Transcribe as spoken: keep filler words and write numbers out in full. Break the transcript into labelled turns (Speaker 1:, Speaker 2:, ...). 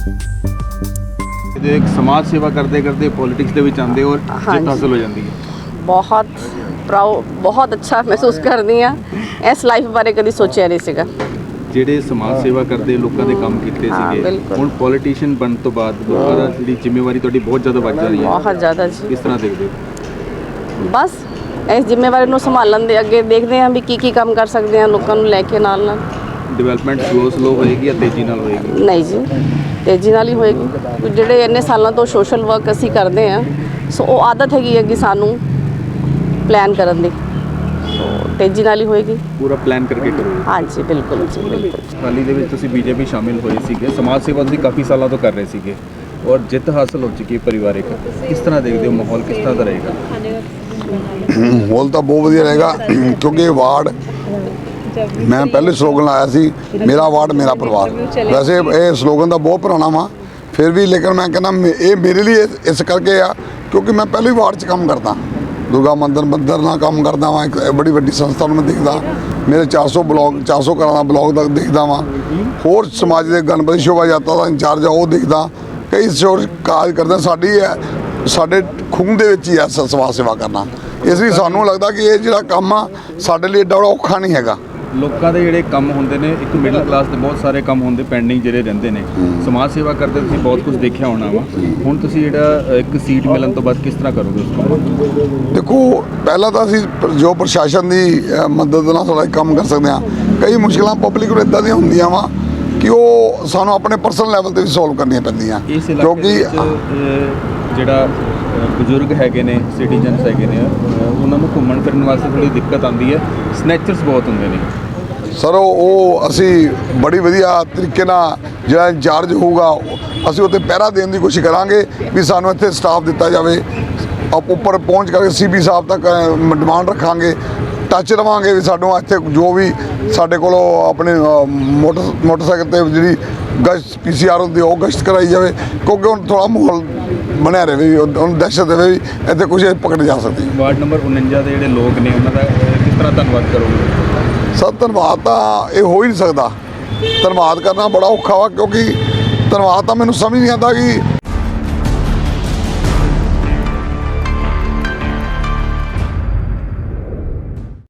Speaker 1: एक समाज सेवा करते करते पॉलिटिक्स ਦੇ ਵਿੱਚ ਆਉਂਦੇ ਔਰ ਜਿੱਤ ਹਾਸਲ ਹੋ ਜਾਂਦੀ ਹੈ।
Speaker 2: ਬਹੁਤ ਪ੍ਰਾਊਡ, ਬਹੁਤ ਅੱਛਾ ਮਹਿਸੂਸ ਕਰਦੀ ਹਾਂ। ਇਸ ਲਾਈਫ ਬਾਰੇ ਕਦੀ ਸੋਚਿਆ ਨਹੀਂ ਸੀਗਾ।
Speaker 1: ਜਿਹੜੇ ਸਮਾਜ ਸੇਵਾ ਕਰਦੇ ਲੋਕਾਂ ਦੇ ਕੰਮ ਕੀਤੇ ਸੀਗੇ, ਹੁਣ ਪੋਲੀਟੀਸ਼ੀਅਨ ਬਣਨ ਤੋਂ ਬਾਅਦ ਲੋਕਾਂ ਦਾ ਜਿਹੜੀ ਜ਼ਿੰਮੇਵਾਰੀ ਤੁਹਾਡੀ ਬਹੁਤ ਜ਼ਿਆਦਾ ਵੱਧ ਰਹੀ ਹੈ।
Speaker 2: ਬਹੁਤ ਜ਼ਿਆਦਾ ਜੀ।
Speaker 1: ਕਿਸ ਤਰ੍ਹਾਂ ਦੇਖਦੇ ਹੋ?
Speaker 2: ਬਸ ਇਸ ਜ਼ਿੰਮੇਵਾਰੀ ਨੂੰ ਸੰਭਾਲਣ ਦੇ ਅੱਗੇ ਦੇਖਦੇ ਹਾਂ ਵੀ ਕੀ ਕੀ ਕੰਮ ਕਰ ਸਕਦੇ ਹਾਂ ਲੋਕਾਂ ਨੂੰ ਲੈ ਕੇ ਨਾਲ ਨਾਲ।
Speaker 1: ਡਿਵੈਲਪਮੈਂਟ ਸਲੋ ਸਲੋ ਹੋਏਗੀ ਜਾਂ ਤੇਜ਼ੀ ਨਾਲ ਹੋਏਗੀ?
Speaker 2: ਨਹੀਂ ਜੀ, ਤੇਜ਼ੀ ਨਾਲ ਹੀ ਹੋਏਗੀ। ਜਿਹੜੇ ਇੰਨੇ ਸਾਲਾਂ ਤੋਂ ਸੋਸ਼ਲ ਵਰਕ ਅਸੀਂ ਕਰਦੇ ਹਾਂ, ਸੋ ਉਹ ਆਦਤ ਹੈਗੀ ਹੈ ਕਿ ਸਾਨੂੰ ਪਲਾਨ ਕਰਨ ਦੀ, ਸੋ ਤੇਜ਼ੀ ਨਾਲ ਹੀ ਹੋਏਗੀ।
Speaker 1: ਪੂਰਾ ਪਲਾਨ ਕਰਕੇ ਕਰੋਗੇ?
Speaker 2: ਹਾਂਜੀ ਬਿਲਕੁਲ ਜੀ, ਬਿਲਕੁਲ।
Speaker 1: ਹਾਲੀ ਦੇ ਵਿੱਚ ਤੁਸੀਂ ਬੀਜੇਪੀ ਸ਼ਾਮਿਲ ਹੋਏ ਸੀਗੇ, ਸਮਾਜ ਸੇਵਾ ਤੁਸੀਂ ਕਾਫੀ ਸਾਲਾਂ ਤੋਂ ਕਰ ਰਹੇ ਸੀਗੇ ਔਰ ਜਿੱਤ ਹਾਸਲ ਹੋ ਚੁੱਕੀ ਹੈ ਪਰਿਵਾਰਿਕ। ਕਿਸ ਤਰ੍ਹਾਂ ਦੇਖਦੇ ਹੋ, ਮਾਹੌਲ ਕਿਸ ਤਰ੍ਹਾਂ ਦਾ ਰਹੇਗਾ?
Speaker 3: ਮਾਹੌਲ ਤਾਂ ਬਹੁਤ ਵਧੀਆ ਰਹੇਗਾ ਕਿਉਂਕਿ ਇਹ ਵਾਰਡ ਮੈਂ ਪਹਿਲੇ ਸਲੋਗਨ ਲਾਇਆ ਸੀ, ਮੇਰਾ ਵਾਰਡ ਮੇਰਾ ਪਰਿਵਾਰ। ਵੈਸੇ ਇਹ ਸਲੋਗਨ ਤਾਂ ਬਹੁਤ ਪੁਰਾਣਾ ਵਾ, ਫਿਰ ਵੀ ਲੇਕਿਨ ਮੈਂ ਕਹਿੰਦਾ ਇਹ ਮੇਰੇ ਲਈ ਇਸ ਕਰਕੇ ਆ ਕਿਉਂਕਿ ਮੈਂ ਪਹਿਲੇ ਵਾਰਡ 'ਚ ਕੰਮ ਕਰਦਾ, ਦੁਰਗਾ ਮੰਦਰ ਮੰਦਰ ਨਾਲ ਕੰਮ ਕਰਦਾ ਵਾਂ। ਇੱਕ ਬੜੀ ਵੱਡੀ ਸੰਸਥਾ ਨੂੰ ਮੈਂ ਦੇਖਦਾ, ਮੇਰੇ ਚਾਰ ਸੌ ਬਲੋਕ ਚਾਰ ਸੌ ਘਰਾਂ ਦਾ ਬਲੋਕ ਤੱਕ ਦੇਖਦਾ ਵਾਂ। ਹੋਰ ਸਮਾਜ ਦੇ ਗਣਪਤੀ ਸ਼ੋਭਾ ਯਾਤਰਾ ਦਾ ਇੰਚਾਰਜ ਆ, ਉਹ ਦੇਖਦਾ। ਕਈ ਸ਼ੋਰ ਕਾਜ ਕਰਦਾ। ਸਾਡੀ ਹੈ ਸਾਡੇ ਖੂਨ ਦੇ ਵਿੱਚ ਹੀ ਆ ਸਮਾਜ ਸੇਵਾ ਕਰਨਾ। ਇਸ ਲਈ ਸਾਨੂੰ ਲੱਗਦਾ ਕਿ ਇਹ ਜਿਹੜਾ ਕੰਮ ਆ ਸਾਡੇ ਲਈ ਏਡਾ ਔਖਾ ਨਹੀਂ ਹੈਗਾ।
Speaker 1: ਲੋਕਾਂ ਦੇ ਜਿਹੜੇ ਕੰਮ ਹੁੰਦੇ ਨੇ, ਇੱਕ ਮਿਡਲ ਕਲਾਸ ਦੇ ਬਹੁਤ ਸਾਰੇ ਕੰਮ ਹੁੰਦੇ ਪੈਂਡਿੰਗ ਜਿਹੜੇ ਰਹਿੰਦੇ ਨੇ। ਸਮਾਜ ਸੇਵਾ ਕਰਦੇ ਤੁਸੀਂ ਬਹੁਤ ਕੁਝ ਦੇਖਿਆ ਹੋਣਾ ਵਾ। ਹੁਣ ਤੁਸੀਂ ਜਿਹੜਾ ਇੱਕ ਸੀਟ ਮਿਲਣ ਤੋਂ ਬਾਅਦ ਕਿਸ ਤਰ੍ਹਾਂ ਕਰੋਗੇ ਉਸ ਕੰਮ?
Speaker 3: ਦੇਖੋ, ਪਹਿਲਾਂ ਤਾਂ ਅਸੀਂ ਜੋ ਪ੍ਰਸ਼ਾਸਨ ਦੀ ਮਦਦ ਨਾਲ ਥੋੜ੍ਹਾ ਕੰਮ ਕਰ ਸਕਦੇ ਹਾਂ। ਕਈ ਮੁਸ਼ਕਿਲਾਂ ਪਬਲਿਕ ਨੂੰ ਇੱਦਾਂ ਦੀਆਂ ਹੁੰਦੀਆਂ ਵਾ ਕਿ ਉਹ ਸਾਨੂੰ ਆਪਣੇ ਪਰਸਨਲ ਲੈਵਲ 'ਤੇ ਵੀ ਸੋਲਵ ਕਰਨੀਆਂ ਪੈਂਦੀਆਂ, ਕਿਉਂਕਿ
Speaker 1: ਜਿਹੜਾ ਬਜ਼ੁਰਗ ਹੈਗੇ ਨੇ, ਸਿਟੀਜ਼ਨਸ ਹੈਗੇ ਨੇ, ਉਹਨਾਂ ਨੂੰ ਘੁੰਮਣ ਫਿਰਨ ਵਾਸਤੇ ਥੋੜ੍ਹੀ ਦਿੱਕਤ ਆਉਂਦੀ ਹੈ। ਸਨੈਚਰਸ ਬਹੁਤ ਹੁੰਦੇ ਨੇ
Speaker 3: ਸਰ। ਉਹ ਅਸੀਂ ਬੜੀ ਵਧੀਆ ਤਰੀਕੇ ਨਾਲ ਜਿਹੜਾ ਇੰਚਾਰਜ ਹੋਊਗਾ ਅਸੀਂ ਉੱਥੇ ਪਹਿਰਾ ਦੇਣ ਦੀ ਕੋਸ਼ਿਸ਼ ਕਰਾਂਗੇ ਵੀ ਸਾਨੂੰ ਇੱਥੇ ਸਟਾਫ ਦਿੱਤਾ ਜਾਵੇ। ਆਪ ਉੱਪਰ ਪਹੁੰਚ ਕਰਕੇ ਸੀ ਪੀ ਸਾਹਿਬ ਤੱਕ ਡਿਮਾਂਡ ਰੱਖਾਂਗੇ, ਟੱਚ ਰਵਾਂਗੇ ਵੀ ਸਾਨੂੰ ਇੱਥੇ ਜੋ ਵੀ ਸਾਡੇ ਕੋਲੋਂ ਆਪਣੇ ਮੋਟਰ ਮੋਟਰਸਾਈਕਲ 'ਤੇ ਜਿਹੜੀ ਗਸ਼ਤ ਪੀ ਸੀ ਆਰ ਹੁੰਦੀ ਉਹ ਗਸ਼ਤ ਕਰਾਈ ਜਾਵੇ, ਕਿਉਂਕਿ ਹੁਣ ਥੋੜ੍ਹਾ ਮਾਹੌਲ ਬਣਿਆ ਰਹੇ, ਉਹਨੂੰ ਦਹਿਸ਼ਤ ਦੇਵੇ ਵੀ ਇੱਥੇ ਕੁਝ ਪਕੜ ਜਾ ਸਕਦੀ।
Speaker 1: ਵਾਰਡ ਨੰਬਰ ਉਣੰਜਾ ਦੇ ਜਿਹੜੇ ਲੋਕ ਨੇ ਉਹਨਾਂ ਦਾ ਕਿਸ ਤਰ੍ਹਾਂ ਧੰਨਵਾਦ ਕਰੋਗੇ?
Speaker 3: ਸਰ ਧੰਨਵਾਦ ਤਾਂ ਇਹ ਹੋ ਹੀ ਨਹੀਂ ਸਕਦਾ। ਧੰਨਵਾਦ ਕਰਨਾ ਬੜਾ ਔਖਾ ਵਾ ਕਿਉਂਕਿ ਧੰਨਵਾਦ ਤਾਂ ਮੈਨੂੰ ਸਮਝ ਨਹੀਂ ਆਉਂਦਾ ਕਿ